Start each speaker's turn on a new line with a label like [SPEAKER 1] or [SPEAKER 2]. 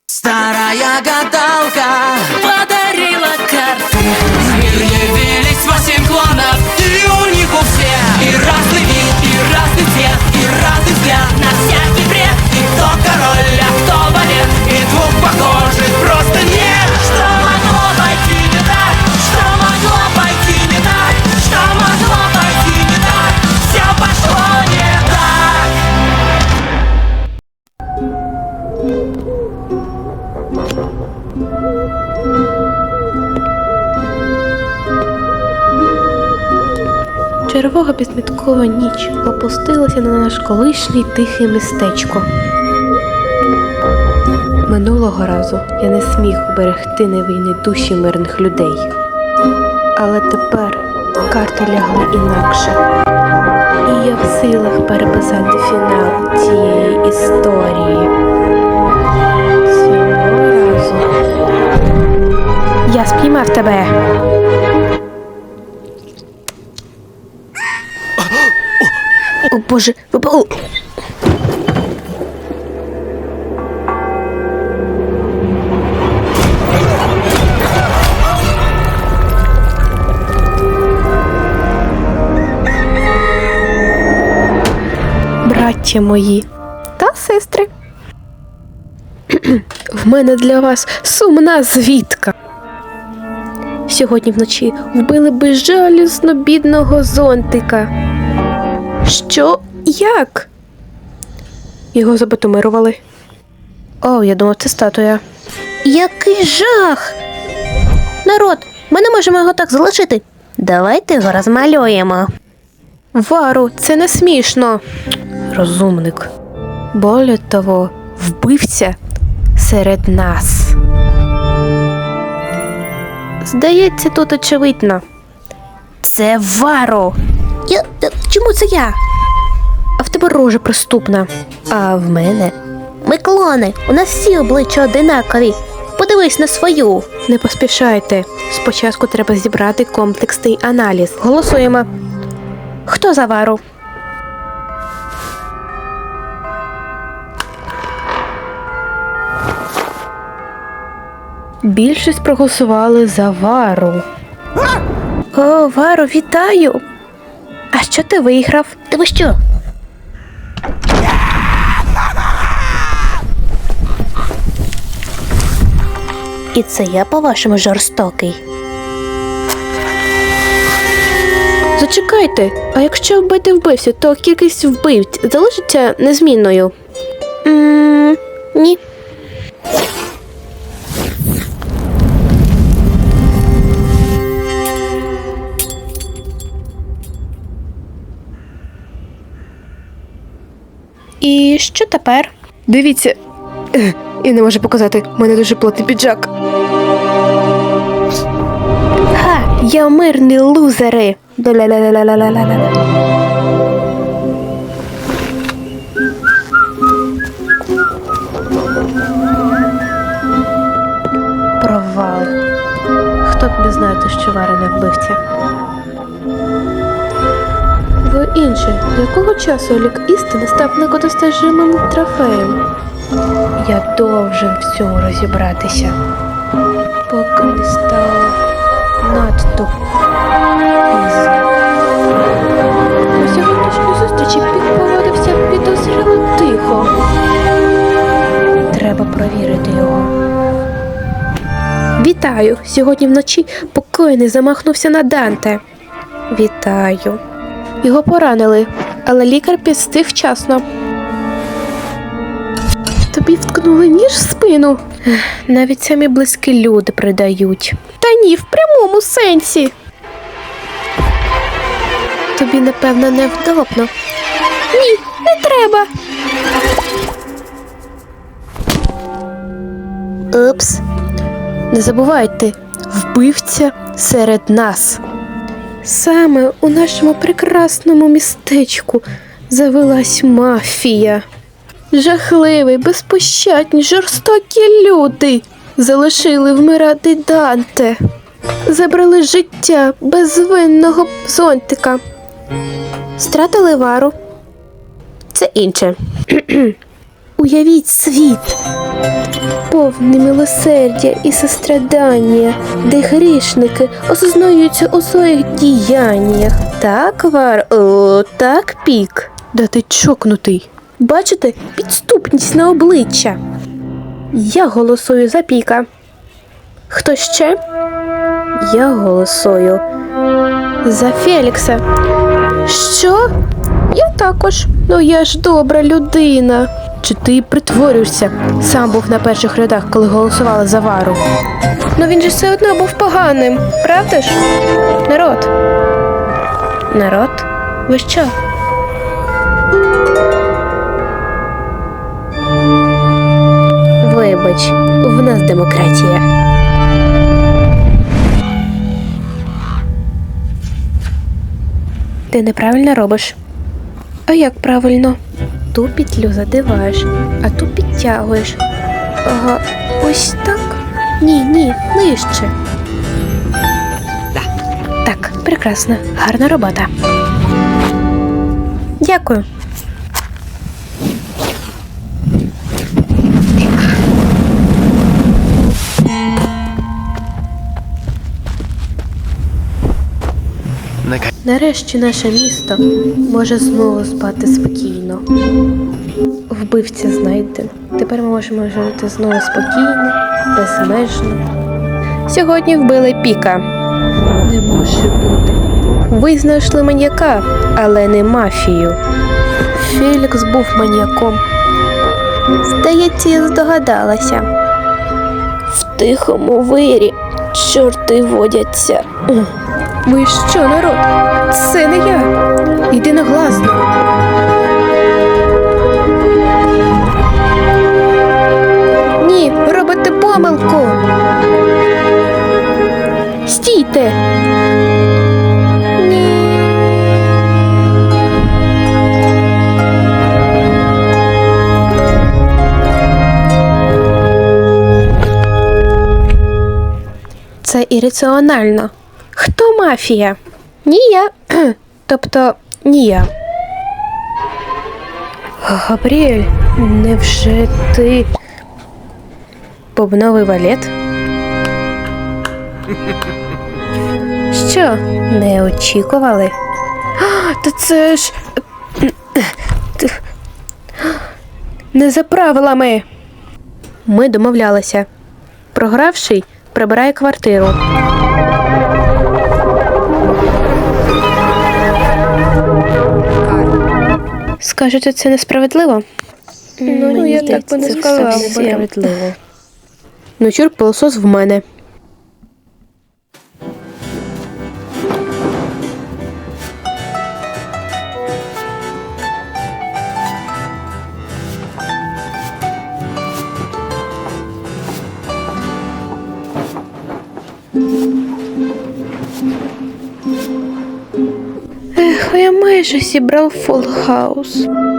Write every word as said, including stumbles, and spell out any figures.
[SPEAKER 1] Старая гадалка
[SPEAKER 2] подарила карты.
[SPEAKER 1] в мир явились восемь клонов, и у них у всех и разный вид, и разный цвет, и разный взгляд
[SPEAKER 2] На всякий бред.
[SPEAKER 1] И кто король, а кто балет, и двух похожих просто нет.
[SPEAKER 2] Что могло пойти не так? Что могло пойти не так? Что могло пойти не так? Все пошло не так.
[SPEAKER 3] Червога безміткова ніч опустилася на наш колишнє тихе містечко. Минулого разу я не зміг уберегти невинні душі мирних людей. Але тепер карти лягли інакше. І я в силах переписати фінал цієї історії. Цього разу я спіймав тебе. О, Боже, ви... О! Браття мої та сестри, в мене для вас сумна звістка. Сьогодні вночі вбили безжалісно бідного зонтика. Що? Як? Його забетонували. О, я думав, це статуя. Який жах! Народ, ми не можемо його так залишити. Давайте його розмалюємо. Вару, це не смішно. Розумник. Более того, вбивця серед нас. Здається, тут очевидно. Це Вару. Я... Чому це я? А в тебе рожа приступна. А в мене? Ми клони. У нас всі обличчя одинакові. Подивись на свою. Не поспішайте. Спочатку треба зібрати комплексний аналіз. Голосуємо. Хто за Вару? Більшість проголосували за Вару. О, Вару, вітаю! А що ти виграв? Ти ви що? І це я, по-вашому, жорстокий? Зачекайте, а якщо вбити вбивцю, то кількість вбивць залишиться незмінною? Ммм, ні. І що тепер? Дивіться, я не можу показати, в мене дуже плотний піджак. Ха, я мирний лузери. Ла-ла-ла-ла-ла-ла-ла-ла. Провал. Хто б не знає, що Вара не вбивця? Ви інші, якого часу лік істини став некодостижимим трофеєм? Я должен в цьому розібратися, поки не стало надто пізно. На сьогоднішній зустрічі Пік поводився підозріло тихо. Треба провірити його. Вітаю! Сьогодні вночі покойний замахнувся на Данте. Вітаю. Його поранили, але лікар підстиг вчасно. Тобі вткнули ніж в спину? Навіть самі близькі люди придають. Та ні, в прямому сенсі. Тобі, напевно, невдобно. Ні, не треба. Упс. Не забувайте, вбивця серед нас. Саме у нашому прекрасному містечку завелась мафія. Жахливі, безпощадні, жорстокі люди залишили вмирати Данте. Забрали життя безвинного зонтика. Стратили Вару. Це інше. Уявіть світ, повне милосердя і сострадання, де грішники осознаються у своїх діяннях. Так, Вар, о, так, Пік. Да ти чокнутий. Бачите, підступність на обличчя. Я голосую за Піка. Хто ще? Я голосую за Фелікса. Що? Я також. Ну я ж добра людина. Чи ти притворюєшся? Сам був на перших рядах, коли голосувала за Вару. Ну він же все одно був поганим, правда ж? Народ. Народ? Ви що? Вибач, в нас демократія. Ти неправильно робиш. А як правильно? Ту петлю задиваєш, а ту підтягуєш. Ага, ось так? Ні, ні, нижче. Так, прекрасно. Гарна робота. Дякую. Нарешті наше місто може знову спати спокійно. Вбивця знайдено. Тепер ми можемо жити знову спокійно, безмежно. Сьогодні вбили Піка. Не може бути. Ви знайшли маньяка, але не мафію. Фелікс був маньяком. Здається, я здогадалася. В тихому вирі чорти водяться. Ви що, народ? Це не я. Єдиногласно. Ні, робите помилку. Стійте. Ні. Це ірраціонально. Хто мафія? Ні я. Тобто, ні я. Габріель, невже ти бубновий валет? Що, не очікували? А, та це ж... Не за правилами. Ми домовлялися. Програвший прибирає квартиру. Скажете, це несправедливо? Ну, ну я так би не сказала. Це справедливо. Ну, чур, пилосос в мене. Ех, я майже зібрав фулл хаус.